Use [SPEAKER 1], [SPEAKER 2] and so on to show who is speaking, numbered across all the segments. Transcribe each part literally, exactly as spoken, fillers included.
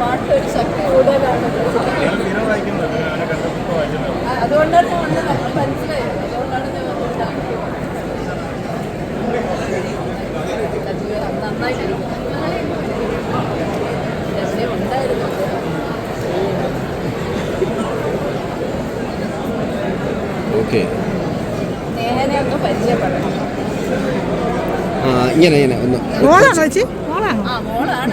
[SPEAKER 1] പാട്ടൊരു ശക്തി കൂടുതലാണ്. അതുകൊണ്ടാണ് ഞാൻ വന്നത്, നമ്മൾ മനസ്സിലായത്. അതുകൊണ്ടാണ് ഞാൻ വന്നത്. നന്നായിട്ടിരിക്കും ഉണ്ടായിരുന്നു.
[SPEAKER 2] ഓക്കെ,
[SPEAKER 1] നേഹനെ ഒന്ന് പരിചയപ്പെടണം.
[SPEAKER 2] ഇങ്ങനെ ഇങ്ങനെ ഒന്ന്
[SPEAKER 1] ആ മോളാണ്.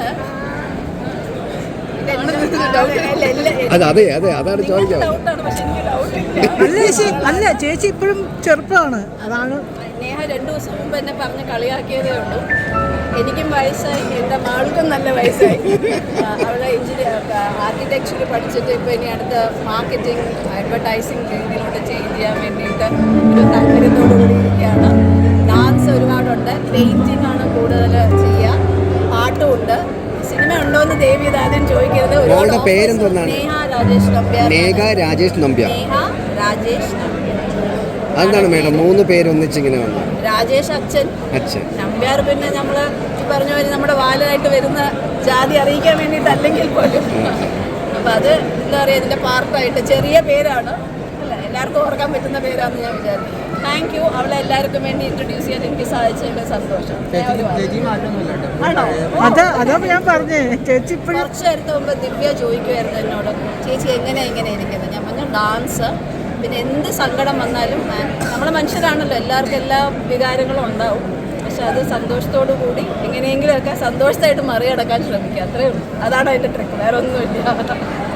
[SPEAKER 2] അതെ അതെ അതെ അതാണ് ചോദിച്ചത്.
[SPEAKER 3] അല്ല ചേച്ചി, അല്ല ചേച്ചി ഇപ്പോഴും ചെറുപ്പമാണ്, അതാണ്.
[SPEAKER 1] നേഹ രണ്ടു ദിവസം മുമ്പ് എന്നെ പറഞ്ഞ് കളിയാക്കിയതേ ഉള്ളൂ. എനിക്കും വയസ്സായി, എൻ്റെ മാൾക്കും നല്ല വയസ്സായി. അവളെ എഞ്ചിനീയർ ആർക്കിടെക്ചർ പഠിച്ചിട്ട് ഇപ്പോൾ ഇനി അടുത്ത മാർക്കറ്റിംഗ് അഡ്വർടൈസിങ് രീതിയിലോട്ട് ചേഞ്ച് ചെയ്യാൻ വേണ്ടിയിട്ട് ഒരു താല്പര്യത്തോടു കൂടിയിരിക്കുകയാണ്. ഡാൻസ് ഒരുപാടുണ്ട്, പെയിൻറ്റിംഗ് ആണ് കൂടുതൽ ചെയ്യുക, പാട്ടുമുണ്ട്. സിനിമ ഉണ്ടോ എന്ന് ദേവി ആദ്യം ചോദിക്കരുത്.
[SPEAKER 2] മോളുടെ പേരെന്താണ്?
[SPEAKER 1] നേഹ രാജേഷ് നമ്പ്യാർ.
[SPEAKER 2] നേഹ രാജേഷ് നമ്പ്യാർ.
[SPEAKER 1] നേഹ രാജേഷ് നമ്പ്യാർ.
[SPEAKER 2] അതെന്താണ് മേഡം മൂന്ന് പേര് ഒന്നിച്ചിങ്ങനെ വന്നു?
[SPEAKER 1] രാജേഷ് അച്ഛൻ,
[SPEAKER 2] അച്ഛൻ
[SPEAKER 1] നമ്പ്യാർ പിന്നെ നമ്മൾ പറഞ്ഞ പോലെ നമ്മുടെ വാലായിട്ട് വരുന്ന ജാതി അറിയിക്കാൻ വേണ്ടിയിട്ട് അല്ലെങ്കിൽ പോലും. അപ്പം അത് എന്താ പറയുക, ഇതിൻ്റെ പാർട്ടായിട്ട് ചെറിയ പേരാണ് അല്ല, എല്ലാവർക്കും ഓർക്കാൻ പറ്റുന്ന പേരാണെന്ന് ഞാൻ വിചാരിക്കുന്നു. Thank you. അവളെ എല്ലാവർക്കും വേണ്ടി ഇൻട്രൊഡ്യൂസ് ചെയ്യാൻ എനിക്ക് സാധിച്ചതിൽ സന്തോഷം. ആണോ?
[SPEAKER 3] അതാ അതാ ഞാൻ പറഞ്ഞേ ചേച്ചി ഇപ്പോഴും.
[SPEAKER 1] കുറച്ച് നേരത്തെ മുമ്പ് ദിവ്യ ചോദിക്കുമായിരുന്നു എന്നോട്, ചേച്ചി എങ്ങനെയാണ് ഇങ്ങനെ ഇരിക്കുന്നത്. ഞാൻ പറഞ്ഞു ഡാൻസ്, പിന്നെ എന്ത് സങ്കടം വന്നാലും നമ്മൾ മനുഷ്യരാണല്ലോ, എല്ലാവർക്കും എല്ലാ വികാരങ്ങളും ഉണ്ടാവും. പക്ഷെ അത് സന്തോഷത്തോടു കൂടി എങ്ങനെയെങ്കിലുമൊക്കെ സന്തോഷത്തായിട്ട് മറികടക്കാൻ ശ്രമിക്കുക, അത്രയേ ഉള്ളൂ. അതാണ് അതിൻ്റെ ട്രിക്ക്, വേറെ ഒന്നുമില്ല.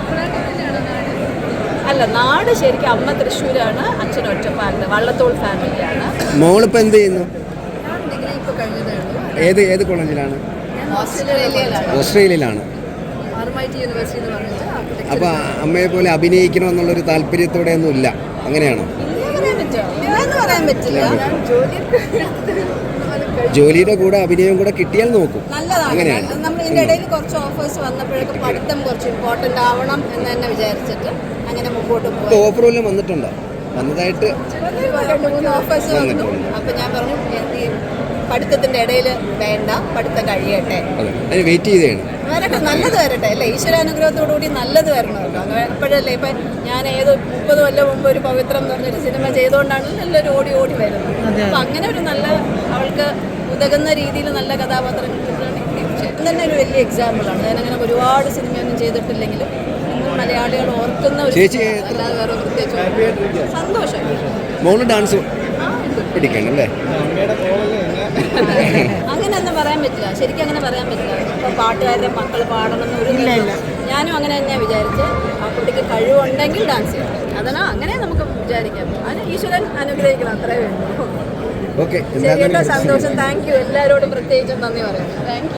[SPEAKER 1] അല്ല, നാട് ശരിക്കും അമ്മ തൃശ്ശൂരാണ്, അച്ഛൻ ഒറ്റപ്പാലത്ത്, വള്ളത്തോൾ ഫാമിലിയാണ്.
[SPEAKER 2] മോളിപ്പോൾ എന്ത് ചെയ്യുന്നു?
[SPEAKER 1] ഡിഗ്രി ഇപ്പോൾ കഴിഞ്ഞതേ ഉള്ളൂ.
[SPEAKER 2] ഏത് ഏത് കോളേജിലാണ്?
[SPEAKER 1] ഓസ്ട്രേലിയയിലാണ്.
[SPEAKER 2] ഓസ്ട്രേലിയയിലാണ്.
[SPEAKER 1] ആർമൈറ്റി യൂണിവേഴ്സിറ്റി എന്ന് പറഞ്ഞിട്ട്.
[SPEAKER 2] അപ്പോൾ അമ്മയെ പോലെ അഭിനയിക്കണമെന്നുള്ളൊരു താല്പര്യത്തോടെ ഒന്നും ഇല്ല, അങ്ങനെയാണോ?
[SPEAKER 1] പറയാൻ പറ്റില്ല.
[SPEAKER 2] ജോലിയുടെ കൂടെ അഭിനയം കൂടെ കിട്ടിയാൽ നോക്കും.
[SPEAKER 1] നല്ലതാണ്. നമ്മൾ ഇതിൻ്റെ ഇടയിൽ കുറച്ച് ഓഫേഴ്സ് വന്നപ്പോഴേക്കും പഠിത്തം കുറച്ച് ഇമ്പോർട്ടൻ്റ് ആവണം എന്ന് തന്നെ വിചാരിച്ചിട്ട് അങ്ങനെ മുമ്പോട്ട് പോകും.
[SPEAKER 2] ഓഫർ വല്ലതും വന്നിട്ടുണ്ടോ? വന്നതായിട്ട്
[SPEAKER 1] രണ്ട് മൂന്ന് ഓഫേഴ്സ് വന്നു. അപ്പം ഞാൻ പറഞ്ഞു ഈ പഠിത്തത്തിൻ്റെ ഇടയിൽ വേണ്ട, പഠിത്തം കഴിയട്ടെ,
[SPEAKER 2] അതിന് വെയിറ്റ് ചെയ്തതാണ്.
[SPEAKER 1] വരട്ടെ, നല്ലത് വരട്ടെ അല്ലേ, ഈശ്വരാനുഗ്രഹത്തോടു കൂടി നല്ലത് വരണമല്ലോ. അങ്ങനെ എപ്പോഴല്ലേ, ഇപ്പം ഞാൻ ഏത് മുപ്പത് കൊല്ലം മുമ്പ് ഒരു പവിത്രം എന്ന് പറഞ്ഞൊരു സിനിമ ചെയ്തുകൊണ്ടാണ് നല്ലൊരു ഓടി ഓടി വരുന്നത്. അപ്പം അങ്ങനെ ഒരു നല്ല അവൾക്ക് ഉതകുന്ന രീതിയിൽ നല്ല കഥാപാത്രം കിട്ടുകയാണെങ്കിൽ തന്നെ ഒരു വലിയ എക്സാമ്പിളാണ്. ഞാനങ്ങനെ ഒരുപാട് സിനിമയൊന്നും ചെയ്തിട്ടില്ലെങ്കിലും ഇന്നും മലയാളികൾ ഓർക്കുന്ന ഒരു, അല്ലാതെ വേറെ പ്രത്യേകിച്ച് സന്തോഷം.
[SPEAKER 2] മോള് ഡാൻസ് പിടിക്കണല്ലേ?
[SPEAKER 1] അങ്ങനെയൊന്നും പറയാൻ പറ്റില്ല, ശരിക്കും അങ്ങനെ പറയാൻ പറ്റില്ല. ഇപ്പോൾ പാട്ടുകാരുടെ മക്കൾ പാടണമെന്ന് ഒരു ഇല്ല. ഞാനും അങ്ങനെ തന്നെയാണ് വിചാരിച്ച്, ആ കുട്ടിക്ക് കഴിവുണ്ടെങ്കിൽ ഡാൻസ് ചെയ്യണം. അതാണ് അങ്ങനെ നമുക്ക് വിചാരിക്കാം. അതിന് ഈശ്വരൻ അനുഗ്രഹിക്കണം, അത്രേ വേണ്ടൂ.
[SPEAKER 2] ഓക്കെ,
[SPEAKER 1] ശരി കേട്ടോ, സന്തോഷം. Thank you. എല്ലാവരോടും പ്രത്യേകിച്ചും നന്ദി പറയാം. Thank U.